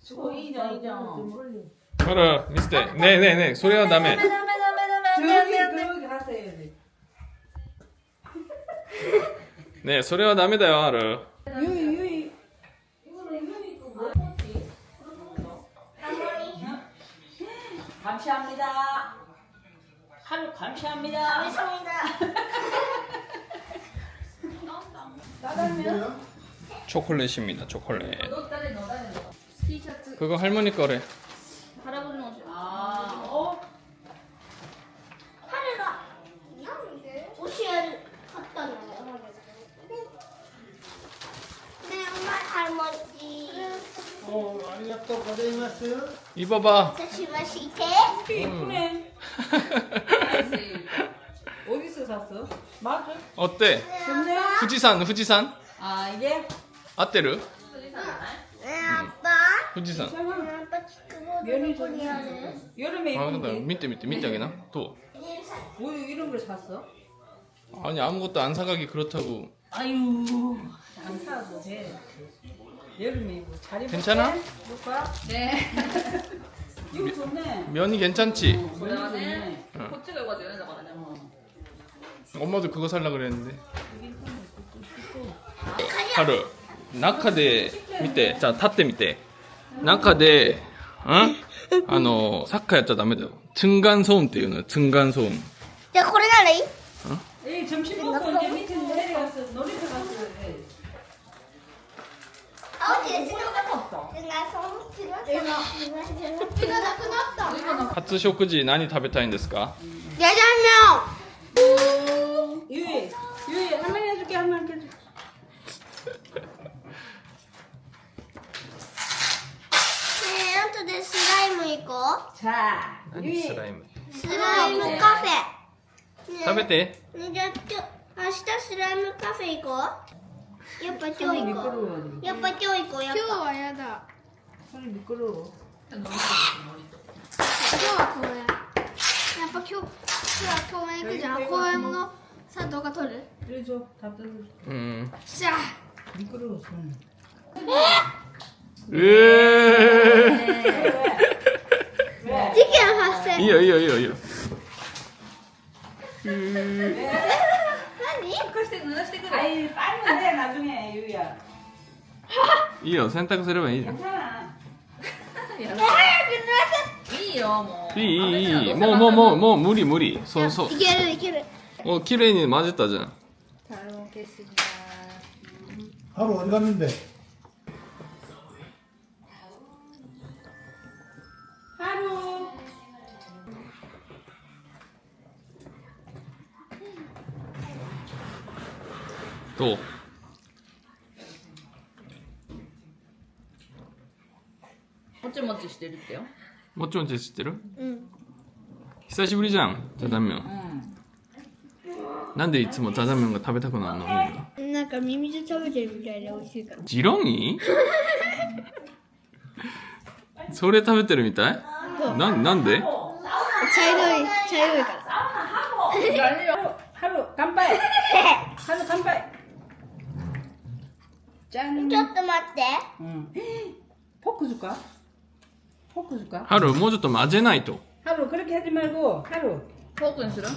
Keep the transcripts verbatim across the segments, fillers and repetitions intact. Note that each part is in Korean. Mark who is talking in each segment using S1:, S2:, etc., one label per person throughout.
S1: お、いいじゃん、いいじゃん。
S2: ほら、見せて。ねえねえねえ、それはダメ。
S1: 저기, 저기 가서 해야지.
S2: ねえ、それはダメだよ、ハル。
S1: 유이, 유이. 감사합니다. 하루 감사합니다. 감사합니다. 따다면
S2: 초콜릿입니다, 초콜릿.
S1: 너 따래, 너 따래, 너. 티셔츠.
S2: 그거 할머니 거래.
S1: 할아버지 옷이. 아, 어?
S3: 하루가 옷을 갖다 놔요. 네, 엄마 할머니.
S4: 어, 아리가또 고자이마스.
S2: 입어봐.
S3: 다시마시테.
S1: 이쁘네. 어디서 샀어? 맞아?
S2: 어때?
S1: 좋네.
S2: 후지산, 후지산?
S1: 아, 이게?
S2: 아떼르?
S3: 네, 아빠.
S2: 후지산.
S3: 아빠 그거
S1: 면이
S3: 누구
S1: 좀
S3: 해야 돼?
S1: 여름에
S2: 아,
S1: 입은
S2: 근데
S1: 게.
S2: 밑에 밑에 밑에 하기나? 또.
S1: 뭐 이런 걸 샀어?
S2: 아니 아무것도 안 사가기 그렇다고.
S1: 아유, 안 사도 돼. 여름에 입고 잘 입을게.
S2: 괜찮아?
S1: 볼까? 네. 이거 좋네.
S2: 면이 괜찮지?
S1: 모자네.
S2: 응.
S1: 코치가 이거 되는 거 아니야?
S2: 엄마도 그거 살라 그랬는데. 하루. 나카데 밑에, 자, 타때 밑에. 나카데, 어? あの、サッカーやっちゃダメだよ。층간소음っていうのよ、층간소음.
S3: 야,これならいい?
S1: 에이, 점심 먹고 이제 밑에 내려가서 놀이터 가서 해.
S3: 아, 어디 있어?
S1: 없어.
S3: 내가 손 들었어. 이거 나 끊었다.
S2: 初食事何食べたいんですか?
S3: 짜장면.
S1: 유이, 유이, 할머니 해줄게, 할머니 해줄게.
S3: 네, 또 내 슬라임 있고.
S1: 자, 유이.
S2: 슬라임.
S3: 슬라임 카페. 네.
S2: 食べて.
S3: 네, 저,明日スライムカフェ行こう。やっぱ今日行こ
S1: 미끄러워.
S3: う。やっぱ今日行こう。やっぱ。今日はやだ。
S1: 손이 미끄러워.
S3: 今日は公園。やっぱ今日、今日は公園行くじゃん。公園のさ、動画撮る
S1: 그래 줘, 다 뜯어.
S2: 음.
S3: じゃあ。
S1: 미끄러워, 손.
S2: 으.
S3: 事件発生。
S2: 이요 이요 이요 이요.
S3: 何
S1: 貸して濡らしてくれ. 아이, 빨면 돼, 나중에, 유이야.
S2: 이요,洗濯すればいいじゃん.
S1: 괜찮아.
S3: 早く濡らせ
S1: いいよ、もう。
S2: いいいいいいもうもうもうもう無理無理そうそう
S3: いけるいける。
S2: もう綺麗に混ぜたじゃん
S1: 잘 먹겠습니다.
S4: 하루 어디 갔는데?
S1: 하루.
S2: 또
S1: 모찌모찌してるってよ.
S2: もちもち知ってる
S3: うん。
S2: 久しぶりじゃんザダンメン
S1: 응.
S2: なんでいつもザダンメンが食べたくなるのみんな
S3: なんかミミズ食べてるみたいで美味しいから。
S2: ジロニーそれ食べてるみたいななんで
S3: 茶色い、茶色いから。
S1: 하루 간파해. 하루 간파해. 짠.
S3: ちょっと待って。
S1: 응. 포크 줄까? 포크 줄까?
S2: ハルもうちょっと混ぜないと
S1: 하루 그렇게 하지 말고 하루.
S5: 포크는 싫어?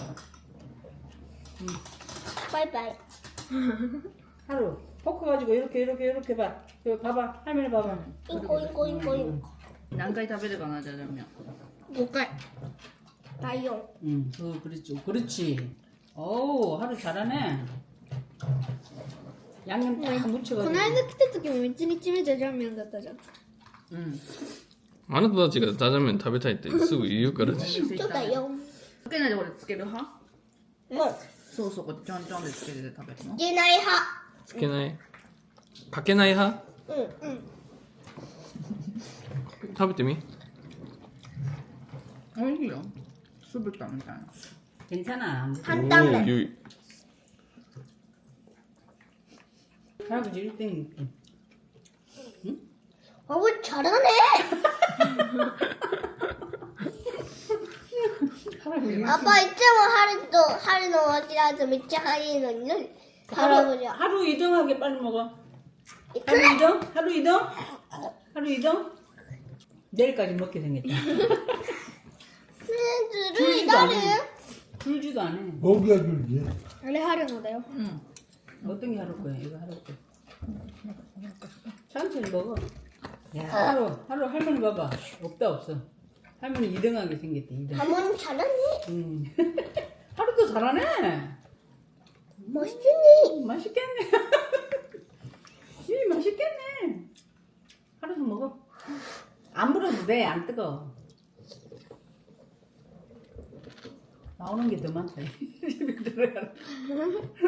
S3: 바이바이.
S1: 하루. 포크 가지고 이렇게 이렇게 이렇게 봐. 여기 봐봐. 할머니 봐봐.
S3: インコインコインコインコ。
S5: 何回食べるかな、じゃじゃ麺。
S3: ごかい。第四。
S1: 응. 어, 그렇지. 그렇지. 오, 하루 잘하네. 양념 딱
S3: こ
S1: 묻혀가지고.
S3: の間来た時もいちにちめじゃじゃん麺だったじゃん。
S1: 응.
S2: あなたたちがザダンメン食べたいってすぐ言うからでしょ
S3: ちょっとよ。
S5: つけないでこれつける派？
S3: うん。
S5: そうそう、こうちょんちょんでつけて食べるの。
S3: 出ない派。
S2: つけないかけない派
S3: うんうん。
S2: 食べてみ
S5: おいしいよ。酢豚みたいな。
S1: 괜찮아.
S3: 担々麺。
S2: ゆい
S1: 할아버지 일 등.
S3: 아, 왜 잘하네. 아빠 있잖아 하루도 하루는 어디라도 밑에 하이는 할아버지야.
S1: 하루 이동하게 빨리 먹어. 하루 이동? 하루 이동? 하루 이동? 내일까지 먹게 생겼다.
S3: 줄이 나를
S1: 줄지도 않아.
S4: 고기가 줄지.
S3: 원래 하려는데요.
S5: 응.
S1: 어떤 게 하루 거야? 이거 하루 거. 천천히 먹어. 야, 하루, 하루 할머니 봐봐. 없다, 없어. 할머니 이등하게 생겼대, 이등.
S3: 어머님 잘하네.
S1: 음. 하루도 잘하네.
S3: 멋있니?
S1: 맛있겠네. 이 맛있겠네. 하루도 먹어. 안 불어도 돼, 안 뜨거. 나오는 게 더 많다. 집에 들어가라.